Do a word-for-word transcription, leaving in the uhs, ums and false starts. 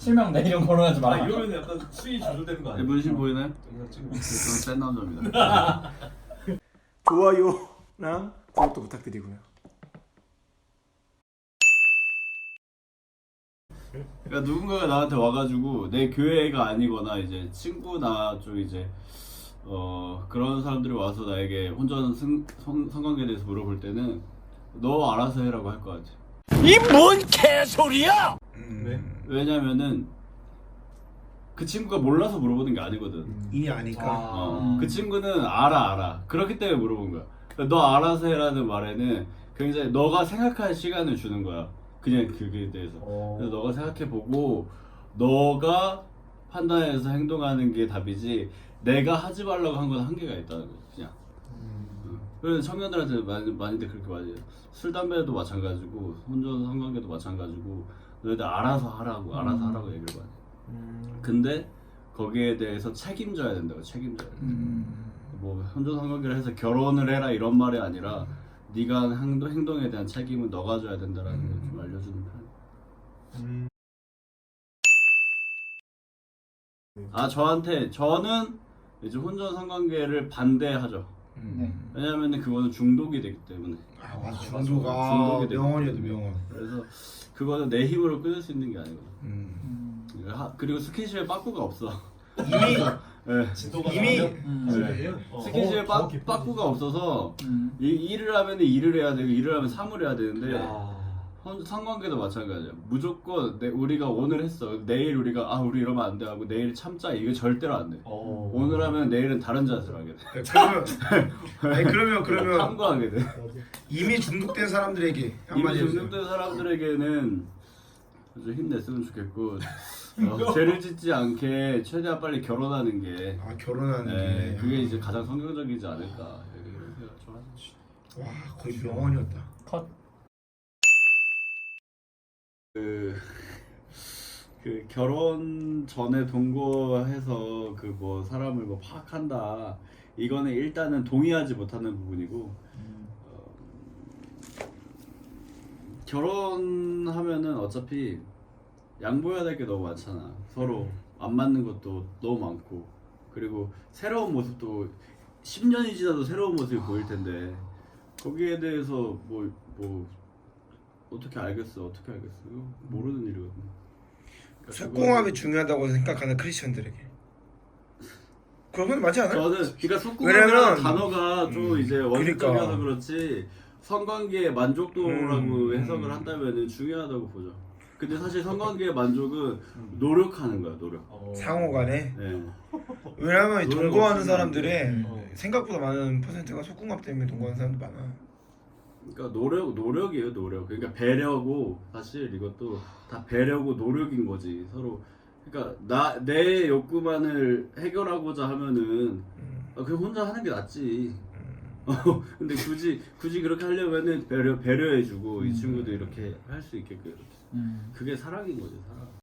실명 내 이름 거론하지 아 마라. 이러면 약간 수위 조절되는 거 아니야? 문신 보이나요? 영상 찍으면 저는 센 남자입니다. 좋아요랑 구독도 부탁드리고요. 그러니까 누군가가 나한테 와가지고 내 교회가 아니거나 이제 친구나 좀 이제 어 그런 사람들이 와서 나에게 혼전 승, 성, 성관계에 대해서 물어볼 때는 너 알아서 해라고 할 것 같아. 이 뭔 개소리야! 왜? 왜냐면은 그 친구가 몰라서 물어보는 게 아니거든. 이미 아니까. 어, 그 친구는 알아 알아. 그렇기 때문에 물어본 거야. 그러니까 너 알아서 해라는 말에는 굉장히 너가 생각할 시간을 주는 거야. 그냥 그게 대해서. 어. 그래서 너가 생각해보고 너가 판단해서 행동하는 게 답이지 내가 하지 말라고 한 건 한계가 있다는 거지 그냥. 어. 그래서 청년들한테 많이, 많이들 그렇게 말해요. 술, 담배도 마찬가지고 혼전 성관계도 마찬가지고 너희들 알아서 하라고 알아서 하라고 얘기를 많이 해. 근데 거기에 대해서 책임져야 된다고 책임져야 돼. 뭐 혼전 성관계를 해서 결혼을 해라 이런 말이 아니라 네가 하는 행동, 행동에 대한 책임은 너가 져야 된다라는 걸 좀 알려주는 편. 음. 아 저한테 저는 이제 혼전 성관계를 반대하죠. 네. 왜냐하면 그거는 중독이 되기 때문에. 아 맞아. 중독이 중도가 되기 명언이어도 때문에. 명언. 그래서 그거는 내 힘으로 끊을 수 있는 게 아니거든. 음. 하- 그리고 스킨십에 빠꾸가 없어. 이미 네. 진도가 이미- 나가면 음. 그래요? 어. 스킨십에 더 빠, 깊어지지. 빠꾸가 없어서 음. 이, 일을 하면 일을 해야 되고 일을 하면 삼을 해야 되는데 야. 혼- 성관계도 마찬가지야. 무조건 내, 우리가 오늘 했어. 내일 우리가 아 우리 이러면 안 돼 하고 내일 참자. 이거 절대로 안 돼. 어. 오늘 하면 내일은 다른 자세로 하게 돼. 그러면 아니 그러면 그러면 탐구하게 돼. 이미 중독된 사람들에게 이미 한마디 해주세요. 중독된 사람들에게는 좀 힘냈으면 좋겠고 어, 죄를 짓지 않게 최대한 빨리 결혼하는 게 아 결혼하는 네, 게 그게 이제 가장 성경적이지 않을까 이런 생각 좀 하죠. 와 거의 명언이었다. 컷. 그, 그 결혼 전에 동거해서 그 뭐 사람을 뭐 파악한다 이거는 일단은 동의하지 못하는 부분이고 어, 결혼하면은 어차피 양보해야 될 게 너무 많잖아. 서로 안 맞는 것도 너무 많고 그리고 새로운 모습도 십 년이 지나도 새로운 모습이 보일 텐데 거기에 대해서 뭐 뭐 어떻게 알겠어 어떻게 알겠어 이거 모르는 일이거든. 그러니까 속궁합이 중요하다고 생각하는 크리스천들에게 그건 맞지 않아요? 저는 그러니까 왜냐면- 속궁합이라는 단어가 좀 음, 이제 원칙적이어서 그러니까. 그렇지 성관계의 만족도라고 음, 해석을 음. 한다면은 중요하다고 보죠. 근데 사실 성관계의 만족은 노력하는 거야 노력. 어. 상호간에 네. 왜냐면 노력 동거하는 없이는 사람들의 안 돼. 어. 생각보다 많은 퍼센트가 속궁합 때문에 동거하는 사람들 많아. 그러니까 노력 노력이에요 노력. 그러니까 배려고 사실 이것도 다 배려고 노력인 거지 서로. 그러니까 나 내 욕구만을 해결하고자 하면은 음, 아, 그냥 혼자 하는 게 낫지. 음. 어, 근데 굳이 굳이 그렇게 하려면은 배려 배려해주고 이 음. 친구도 이렇게 할 수 있게끔 이렇게. 음. 그게 사랑인 거지 사랑.